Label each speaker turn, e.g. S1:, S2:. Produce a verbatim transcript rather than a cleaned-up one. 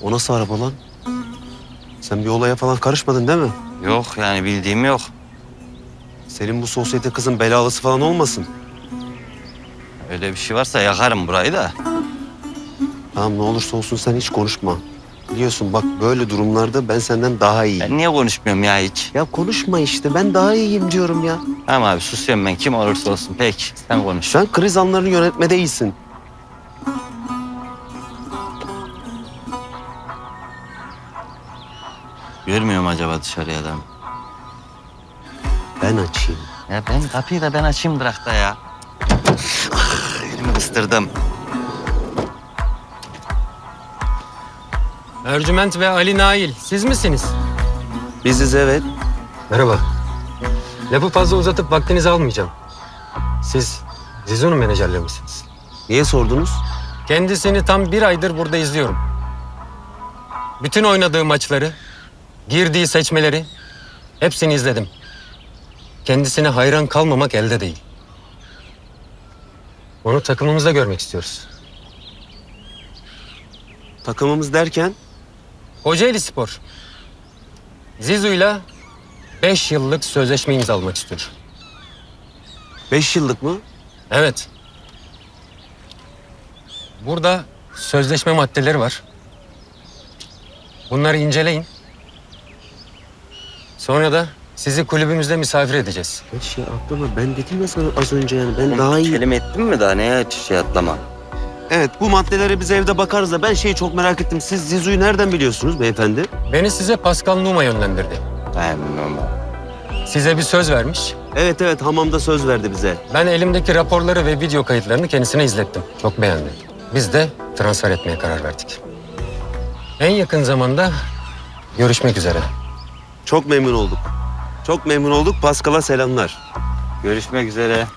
S1: O nasıl araba lan? Sen bir olaya falan karışmadın değil mi?
S2: Yok yani bildiğim yok.
S1: Senin bu sosyete kızın belalısı falan olmasın?
S2: Öyle bir şey varsa yakarım burayı da.
S1: Tamam ne olursa olsun sen hiç konuşma. Biliyorsun bak böyle durumlarda ben senden daha iyiyim.
S2: Ben niye konuşmuyorum ya hiç?
S1: Ya konuşma işte ben daha iyiyim diyorum ya.
S2: Tamam abi susuyorum ben kim olursa olsun. Peki sen konuş.
S1: Sen kriz anlarını yönetmede iyisin.
S2: Görmüyorum acaba dışarıya adam.
S1: Ben açayım.
S2: Ya ben kapıyı da ben açayım durakta ya. Elimi ıstırdım.
S3: Ercüment ve Ali Nail, siz misiniz?
S1: Biziz evet.
S3: Merhaba. Lafı fazla uzatıp vaktinizi almayacağım. Siz Zizo'nun menajerleri misiniz?
S1: Niye sordunuz?
S3: Kendisini tam bir aydır burada izliyorum. Bütün oynadığı maçları, girdiği seçmeleri hepsini izledim. Kendisine hayran kalmamak elde değil. Onu takımımızda görmek istiyoruz.
S1: Takımımız derken?
S3: Kocaeli Spor. Zizu'yla beş yıllık sözleşme imzalamak istiyor.
S1: Beş yıllık mı?
S3: Evet. Burada sözleşme maddeleri var. Bunları inceleyin. Sonra da sizi kulübümüzde misafir edeceğiz.
S1: Ya şey aklıma ben dedim ya sana az önce yani ben daha iyi.
S2: Kelime ettin mi daha neye şey atlama?
S1: Evet bu maddelere biz evde bakarız da ben şeyi çok merak ettim. Siz Zizu'yu nereden biliyorsunuz beyefendi?
S3: Beni size Pascal Numa yönlendirdi.
S2: Ben normal.
S3: Size bir söz vermiş.
S1: Evet evet hamamda söz verdi bize.
S3: Ben elimdeki raporları ve video kayıtlarını kendisine izlettim. Çok beğendi. Biz de transfer etmeye karar verdik. En yakın zamanda görüşmek üzere.
S1: Çok memnun olduk. Çok memnun olduk. Pascal'a selamlar.
S2: Görüşmek üzere.